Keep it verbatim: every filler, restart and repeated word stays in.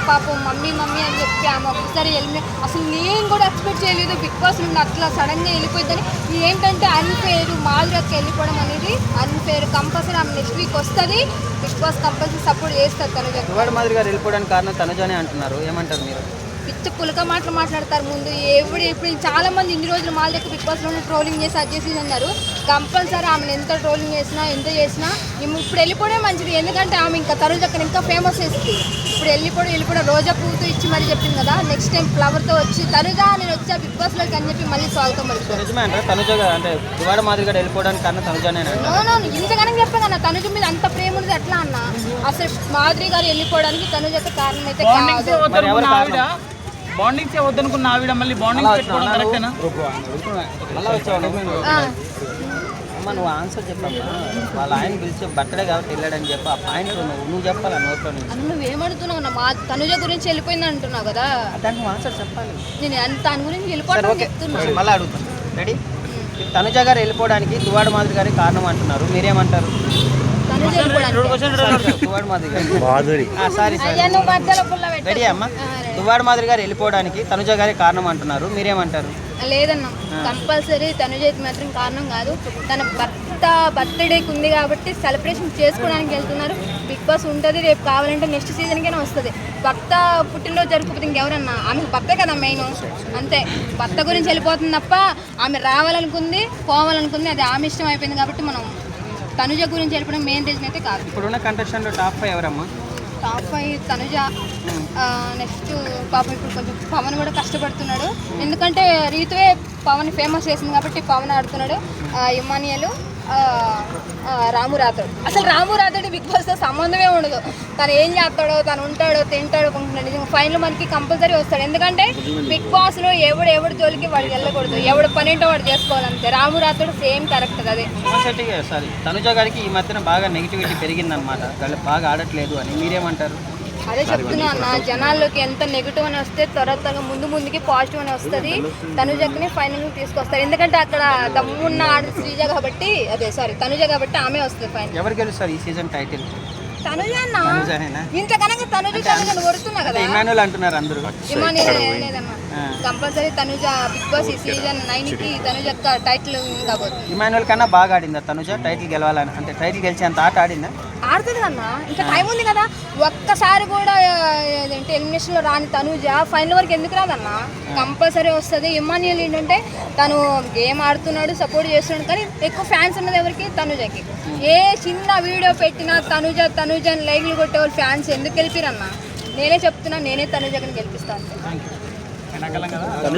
పాపం mummy mummy అని చెప్పి ఆమె ఒకసారి వెళ్ళి అసలు నేను కూడా ఎక్స్పెక్ట్ చేయలేదు బిగ్ బాస్ నుండి అట్లా సడన్గా వెళ్ళిపోయిందని. ఏంటంటే అన్ఫేర్ మాధురికి వెళ్ళిపోవడం అనేది అన్ఫేర్. కంపల్సరీ ఆమె నెక్స్ట్ వీక్ వస్తుంది, బిగ్ బాస్ కంపల్సరీ సపోర్ట్ చేస్తారు తనుజ. మాధురి గారు వెళ్ళిపోవడానికి కారణం తనుజనే అంటున్నారు, ఏమంటారు మీరు? పిచ్చ పులక మాటలు మాట్లాడతారు ముందు. ఎప్పుడు ఇప్పుడు చాలా మంది ఇన్ని రోజులు మాల దగ్గర బిగ్ బాస్లోనే ట్రోలింగ్ చేసి అది చేసి అన్నారు. కంపల్సరీ ఆమెను ఎంత ట్రోలింగ్ చేసినా ఎంత చేసినా ఇప్పుడు వెళ్ళిపోవడం మంచిది. ఎందుకంటే ఆమె ఇంకా తరుణ్ అక్కడ ఇంకా ఫేమస్ చేస్తుంది. ఇప్పుడు వెళ్ళిపోవడం వెళ్ళిపోవడం రోజా పూతో ఇచ్చి మరీ చెప్పింది కదా, నెక్స్ట్ టైం ఫ్లవర్తో వచ్చి తనుజా నేను వచ్చా బిగ్ బాస్లోకి అని చెప్పి మళ్ళీ స్వాగతం పడుతుంది. నిజమే అంటే తనుజ అంటే దువాడ మాదిరి గారు వెళ్ళిపోవడానికి కారణం తనుజనే. ఇంతగానే చెప్పాను అన్న, తనుజ మీద అంత ప్రేమ ఉంది ఎట్లా అన్న. అసలు మాధురి గారు వెళ్ళిపోవడానికి తనుజ అయితే కారణం అయితే కాదు. బాండింగ్స్ వద్దనుకున్న ఆవిడ మళ్ళీ బాండింగ్ పెట్టుకోవడం కరెక్టేనా? మళ్ళీ వచ్చావు అమ్మ, నువ్వు ఆన్సర్ చెప్పమ్మా. వాళ్ళ ఆయన పిలిచి బర్త్డే కాబట్టి వెళ్ళాడని చెప్పి ఆ పాయింట్ నువ్వు నువ్వు చెప్పాలి నోట్లో నుంచి. నువ్వేమడుతున్నావు అన్న, మా తనుజ గురించి వెళ్ళిపోయింది అంటున్నావు కదా, దానికి నువ్వు ఆన్సర్ చెప్పాలి. నేను దాని గురించి వెళ్ళిపోవడం చెప్తున్నాను. మళ్ళీ అడుగుతాను, రెడీ? తనుజ గారు వెళ్ళిపోవడానికి దువాడ మాదిరి గారి కారణం అంటున్నారు, మీరేమంటారు? రెడీ అమ్మా, దువ్వాడ మాదిరి గారు వెళ్ళిపోవడానికి తనుజ గారి కారణం అంటున్నారు, మీరేమంటారు? లేదన్నా, కంపల్సరీ తనుజ మాత్రం కారణం కాదు. తన భర్త బర్త్డేకి ఉంది కాబట్టి సెలబ్రేషన్ చేసుకోవడానికి వెళ్తున్నారు. బిగ్ బాస్ ఉంటుంది, రేపు కావాలంటే నెక్స్ట్ సీజన్కైనా వస్తుంది. భర్త పుట్టినరోజు జరుపుకోకపోతే ఇంకెవరన్నా, ఆమెకు భర్తే కదా మెయిన్. అంతే, భర్త గురించి వెళ్ళిపోతుంది తప్ప ఆమె రావాలనుకుంది పోవాలనుకుంది అది ఆమె ఇష్టం అయిపోయింది. కాబట్టి మనం తనుజ గురించి వెళ్ళిపోవడం మెయిన్ రీజన్ అయితే కాదు. ఇప్పుడున్న కంటెస్టెంట్ టాప్ ఫైవ్ ఎవరమ్మా? టాప్ ఫైవ్ తనుజ, నెక్స్ట్ పాపం ఇప్పుడు కొంచెం పవన్ కూడా కష్టపడుతున్నాడు. ఎందుకంటే రీతువే పవన్ ఫేమస్ చేసింది కాబట్టి పవన్ ఆడుతున్నాడు. ఇమానియలు, రాము రాథోడ్. అసలు రాము రాథోడ్ బిగ్ బాస్తో సంబంధమే ఉండదు. తను ఏం చేస్తాడో, తను ఉంటాడో తింటాడో అనుకుంటున్నాడు. ఫైనల్ మనకి కంపల్సరీ వస్తాడు. ఎందుకంటే బిగ్ బాస్లో ఎవడు ఎవడు జోలికి వాడికి వెళ్ళకూడదు, ఎవడు పని ఏంటో వాడు చేసుకోవాలంతే. రాము రాథోడ్ సేమ్ క్యారెక్టర్ అదే. సారీ, తనుజ గారికి ఈ మధ్యన బాగా నెగిటివిటీ పెరిగిందనమాట, బాగా ఆడట్లేదు అని, మీరేమంటారు? అదే చెప్తున్నా అన్న, జనాల్లోకి ఎంత నెగిటివ్ అని వస్తే త్వర త్వరగా ముందు ముందుకి పాజిటివ్ అని వస్తుంది. తనుజని ఫైనల్ తీసుకొస్తారు. ఎందుకంటే అక్కడ దమ్మున్న ఆడ శ్రీజ కాబట్టి, అదే సారీ తనుజ కాబట్టి ఆమె వస్తుంది ఫైనల్. ఎవరు గెలుస్తారు ఈ సీజన్ టైటిల్? తనుజ అన్న. ఇంతకనగా తనుజ తనుజ కొడుతున్నా కదా, ఇమానుయల్ అంటున్నారు అందరూ. ఇమానుయల్ లేదమ్మా, కంపల్సరీ తనుజ బిగ్ బాస్ ఈ సీజన్ నైన్ కి తనుజ టైటిల్ కాబోతుంది. ఇమానుయల్ కన్నా బాగా ఆడిందా తనుజ? టైటిల్ గెలవాలని అంటే టైటిల్ గెలిచేంత ఆట ఆడిందా? ఆడుతుంది కన్నా, ఇంకా టైం ఉంది కదా. ఒక్కసారి కూడా ఏంటంటే ఎలిమినేషన్లో రాని తనుజ ఫైనల్ వరకు ఎందుకు రాదన్నా? కంపల్సరీ వస్తుంది. ఇమాన్యుయల్ ఏంటంటే తను గేమ్ ఆడుతున్నాడు, సపోర్ట్ చేస్తున్నాడు, కానీ ఎక్కువ ఫ్యాన్స్ ఉన్నది ఎవరికి? తనుజకి. ఏ చిన్న వీడియో పెట్టినా తనుజ తనుజ అని లైక్లు కొట్టే వాళ్ళు ఫ్యాన్స్ ఎందుకు గెలిపిరన్నా? నేనే చెప్తున్నా, నేనే తనుజని గెలిపిస్తాను.